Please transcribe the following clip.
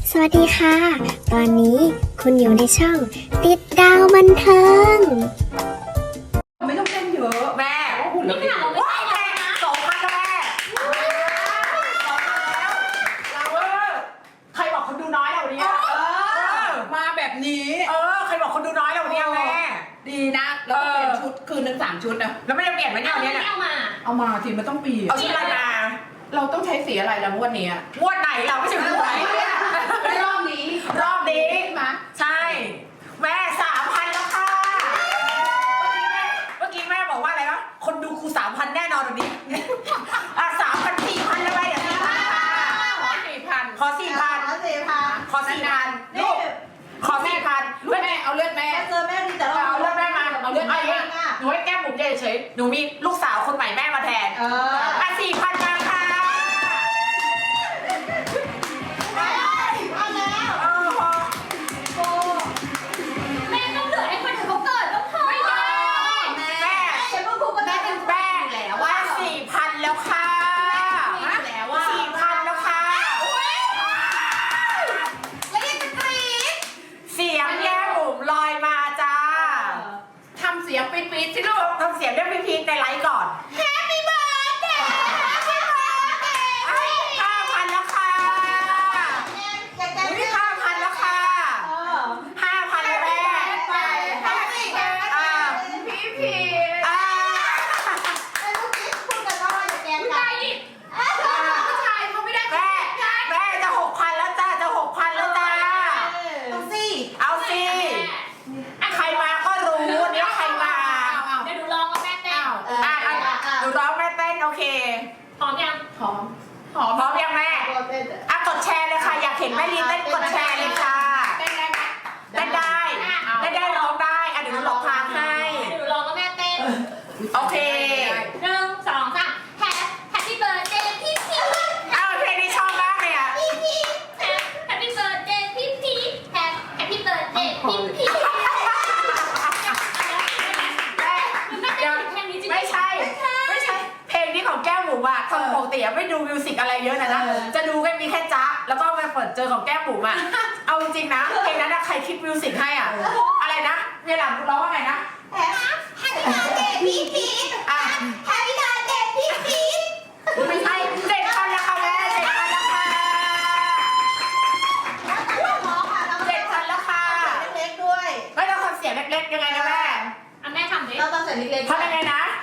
สวัสดีค่ะ ตอนนี้คุณอยู่ในช่องติดดาวบันเทิงไม่ต้องเต้นเยอะแม่ว่าหุ่นเราดีว้าวแม่2,000แล้วแม่ใครบอกคนดูน้อยเราวันนี้มาแบบนี้ใครบอกคนดูน้อยเราวันนี้แม่ดีนะแล้วก็เปลี่ยนชุดคืนนึง3 ชุดนะแล้วไม่ได้เปลี่ยนไหมเนี่ยวันนี้เอามาทีมันต้องปีเอาชุดอะไรมาเราต้องใช้สีอะไรละงวดนี้งวดไหนเราไม่ใช่งวดไหนรอบนี้มาใช่แม่3,000แล้วค่ะเมื่อกี้แม่บอกว่าอะไรวะคนดูครู3,000แน่นอนวันนี้3,000 4,000แล้วไปเดี๋ยว4,000ขอ 4,000ลูกขอ 4,000แม่เอาเลือดแม่เจอแม่ดีแต่เราเอาเลือดแม่มาเอาเลือดแม่หนูให้แก้มบุ๋มเฉยๆหนูมีลูกสาวคนใหม่แม่มาแทน4,000มาค่ะแม่ต้องเหลือให้คนอื่นเขาเกิดต้องพอไม่ได้แม่ฉันก็พูดกับแม่เป็นแม่แล้วว่า 4,000 แล้วค่ะ4,000 แล้วค่ะแล้วยังจะกรี๊ดเสียงแก้มบุ๋มลอยมาจ้าทำเสียงปี๊ดๆสิลูกทำเสียงเรียกพีในไลฟ์ก่อน Happy birthday Happy birthday 5,000 แล้วค่ะ5,000 แล้วค่ะ 5,000 แล้วแม่แม่จะ 6,000 แล้วจ้าจะ 6,000 แล้วจ้าเอาสิใครมาก็รู้เนี่ยใครมาเดี๋ยวหนูลองกับแม่เต้นหนูร้องแม่เต้นโอเคพร้อมยังพร้อมยังแม่กดแชร์เลยค่ะอยากเห็นแม่ลีเต้นกดแชร์เลยค่ะเต้นได้ร้องได้เดี๋ยวหนูหลอกทางให้เดี๋ยวหนูลองกับแม่เต้นโอเค 1 2 3 Happy birthday พี่พีเพลงนี้ชอบมากเลยอ่ะ Happy birthday พี่พี Happy birthday พี่พีไม่ใช่เพลงนี้ของแก้วหมูอ่ะคนปกติไม่ดูมิวสิกอะไรเยอะนะจะดูแค่มีแค่จ๊ะแล้วก็มาเปิดเจอของแก้วหมูอ่ะเอาจริงๆนะเพลงนั้นใครคิดมิวสิกให้อ่ะอะไรนะเมียหลังร้องว่าไงนะ Happy birthday พี่พี Happy birthday พี่พีไม่ใช่7,000แล้วค่ะแม่7,000แล้วค่ะ7,000แล้วค่ะเล็กๆด้วยไม่ต้องทำเสียงเล็กๆยังไงนะแม่แม่ทำดิเราต้องใส่เล็กๆทำยังไงนะ